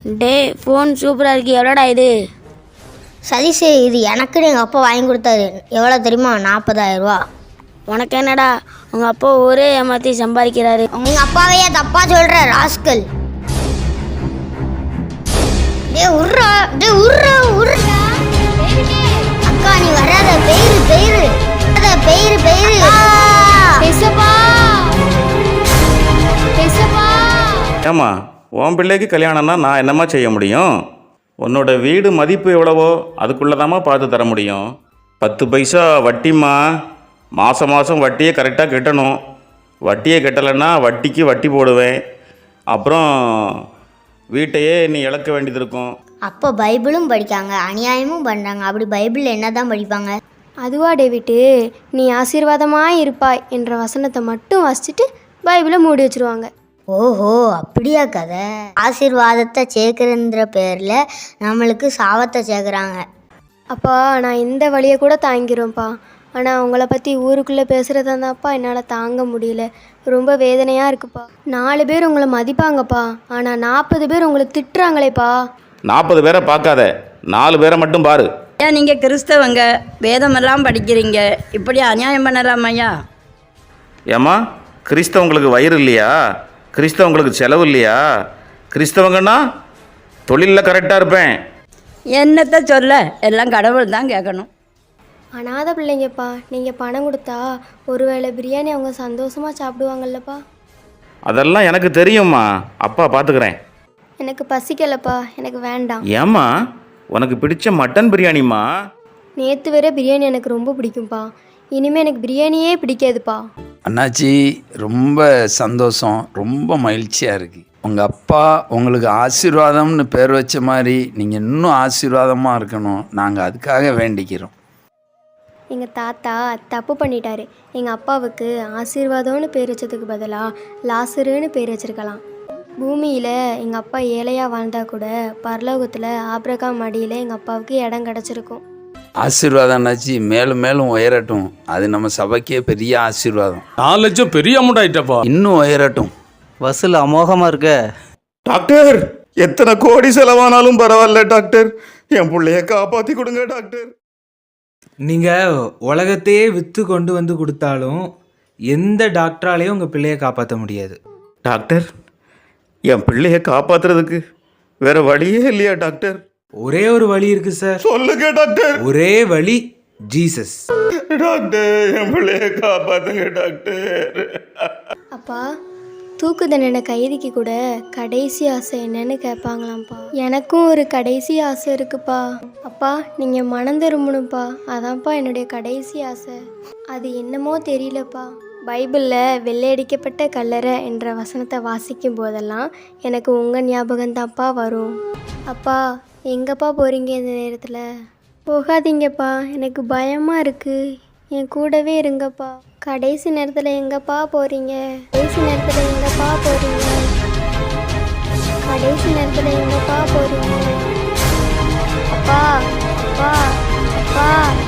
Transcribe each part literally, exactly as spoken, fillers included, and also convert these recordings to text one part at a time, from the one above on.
டே phone சூப்பராக இருக்கு, எவ்வளோடா இது? சதீஷ், இது எனக்குன்னு எங்கள் அப்பா வாங்கி கொடுத்தாரு. எவ்வளோ தெரியுமா? நாற்பதாயிரம் ரூபா. உனக்கு என்னடா, உங்கள் அப்பா ஒரே ஏமாற்றி சம்பாதிக்கிறாரு. உங்கள் அப்பாவையே தப்பா சொல்கிற ராஸ்கல். டே உர்றா, டே உர்றா உர்றா. அக்கா நீ வராத, பெயிரு பெயிரு பெயிரு பெயிரு. ஏம்மா, உன் பிள்ளைக்கு கல்யாணம்னா நான் என்னம்மா செய்ய முடியும்? உன்னோட வீடு மதிப்பு எவ்வளவோ அதுக்குள்ளதாம்மா பார்த்து தர முடியும். பத்து பைசா வட்டிம்மா. மாதம் மாதம் வட்டியை கரெக்டாக கட்டணும். வட்டியை கட்டலைன்னா வட்டிக்கு வட்டி போடுவேன். அப்புறம் வீட்டையே நீ இழக்க வேண்டியது இருக்கும். அப்போ பைபிளும் படிக்காங்க, அநியாயமும் பண்ணுறாங்க. அப்படி பைபிளில் என்ன தான் படிப்பாங்க? அதுவா டேவிட்டு, நீ ஆசீர்வாதமாக இருப்பாய் என்ற வசனத்தை மட்டும் வாசிச்சுட்டு பைபிளை மூடி வச்சுருவாங்க. ஓஹோ, அப்படியா கதை? ஆசீர்வாதத்தை சேர்க்குறன்ற பேரில் நம்மளுக்கு சாபத்தை சேர்க்குறாங்க. அப்பா, நான் இந்த வழியை கூட தாங்கிக்கிறோம்ப்பா. ஆனால் உங்களை பற்றி ஊருக்குள்ளே பேசுகிறதாப்பா என்னால் தாங்க முடியல. ரொம்ப வேதனையாக இருக்குப்பா. நாலு பேர் உங்களை மதிப்பாங்கப்பா, ஆனால் நாற்பது பேர் உங்களை திட்டுறாங்களேப்பா. நாற்பது பேரை பார்க்காத, நாலு பேரை மட்டும் பாரு. ஏன் நீங்கள் கிறிஸ்தவங்க வேதமெல்லாம் படிக்கிறீங்க, இப்படி அநியாயம் பண்ணலாமையா? ஏம்மா, கிறிஸ்தவங்களுக்கு வயிறு இல்லையா? கிறிஸ்தவங்களுக்கு செலவு இல்லையா? கிறிஸ்தவங்கன்னா தொழிலில் கரெக்டாக இருப்பேன். என்னத்தை சொல்ல, எல்லாம் கடவுள் தான் கேட்கணும். அனாத பிள்ளைங்கப்பா, நீங்கள் பணம் கொடுத்தா ஒருவேளை பிரியாணி அவங்க சந்தோஷமாக சாப்பிடுவாங்கல்லப்பா. அதெல்லாம் எனக்கு தெரியும்மா, அப்பா பார்த்துக்கிறேன். எனக்கு பசிக்கலப்பா, எனக்கு வேண்டாம். ஏம்மா, உனக்கு பிடிச்ச மட்டன் பிரியாணிம்மா. நேற்று வேற பிரியாணி எனக்கு ரொம்ப பிடிக்கும்ப்பா. இனிமேல் எனக்கு பிரியாணியே பிடிக்காதுப்பா. அண்ணாச்சி, ரொம்ப சந்தோஷம், ரொம்ப மகிழ்ச்சியாக இருக்குது. உங்கள் அப்பா உங்களுக்கு ஆசீர்வாதம்னு பேர் வச்ச மாதிரி நீங்கள் இன்னும் ஆசீர்வாதமாக இருக்கணும். நாங்கள் அதுக்காக வேண்டிக்கிறோம். எங்கள் தாத்தா தப்பு பண்ணிட்டாரு. எங்கள் அப்பாவுக்கு ஆசீர்வாதம்னு பேர் வச்சதுக்கு பதிலாக லாசருன்னு பேர் வச்சிருக்கலாம். பூமியில் எங்கள் அப்பா ஏழையாக வாழ்ந்தால் கூட பரலோகத்தில் ஆபிரகாம் மடியில் எங்கள் அப்பாவுக்கு இடம் கிடச்சிருக்கும். ஆசீர்வாதம் அண்ணாச்சி, மேலும் மேலும் உயரட்டும். அது நம்ம சபைக்கே பெரிய ஆசீர்வாதம். நாலு லட்சம் பெரிய அமௌண்ட் ஆயிட்டப்பா. இன்னும் உயரட்டும். வசூல் அமோகமாக இருக்க. டாக்டர், எத்தனை கோடி செலவானாலும் பரவாயில்ல டாக்டர், என் பிள்ளைய காப்பாற்றி கொடுங்க டாக்டர். நீங்கள் உலகத்தையே விற்று கொண்டு வந்து கொடுத்தாலும் எந்த டாக்டராலையும் உங்கள் பிள்ளையை காப்பாற்ற முடியாது. டாக்டர், என் பிள்ளைய காப்பாற்றுறதுக்கு வேற வழியே இல்லையா டாக்டர்? ஒரே ஒரு வழி இருக்கு சார். சொல்லுங்க டாக்டர். ஒரே வழி ஜீசஸ். டாக்டர், என் பிள்ளைய காப்பாத்துங்க டாக்டர். அப்பா, தூக்கு தண்டனை கைதிக்கு கூட கடைசி ஆசை என்னன்னு கேட்பாங்களாம்ப்பா. எனக்கும் ஒரு கடைசி ஆசை இருக்குப்பா. அப்பா, நீங்கள் மனம் திரும்பணும்ப்பா. அதான்ப்பா என்னுடைய கடைசி ஆசை. அது என்னமோ தெரியலப்பா. பைபிளில் வெள்ளையடிக்கப்பட்ட கல்லறை என்ற வசனத்தை வாசிக்கும் போதெல்லாம் எனக்கு உங்கள் ஞாபகம்தான்ப்பா வரும். அப்பா, எங்கப்பா போகிறீங்க இந்த நேரத்தில்? போகாதீங்கப்பா, எனக்கு பயமாக இருக்குது. என் கூடவே இருங்கப்பா. கடைசி நேரத்தில் எங்கப்பா போகிறீங்க? கடைசி நேரத்தில் எங்கப்பா போகிறீங்க? கடைசி நேரத்தில் எங்கப்பா போகிறீங்க? அப்பா, அப்பா, அப்பா.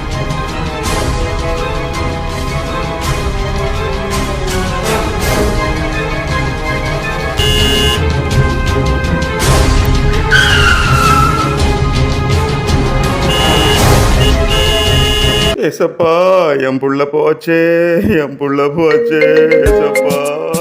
ஏசப்பா, என் புள்ள போச்சே, என் புள்ள போச்சே. ஏசப்பா,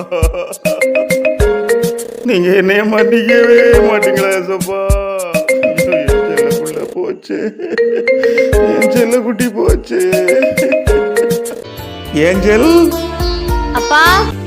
நீங்க என்னைய மாட்டிக்கவே மாட்டீங்களா ஏசப்பா? என் செல்ல புள்ள போச்சே, என் செல்ல குட்டி போச்சே. ஏஞ்சல் அப்பா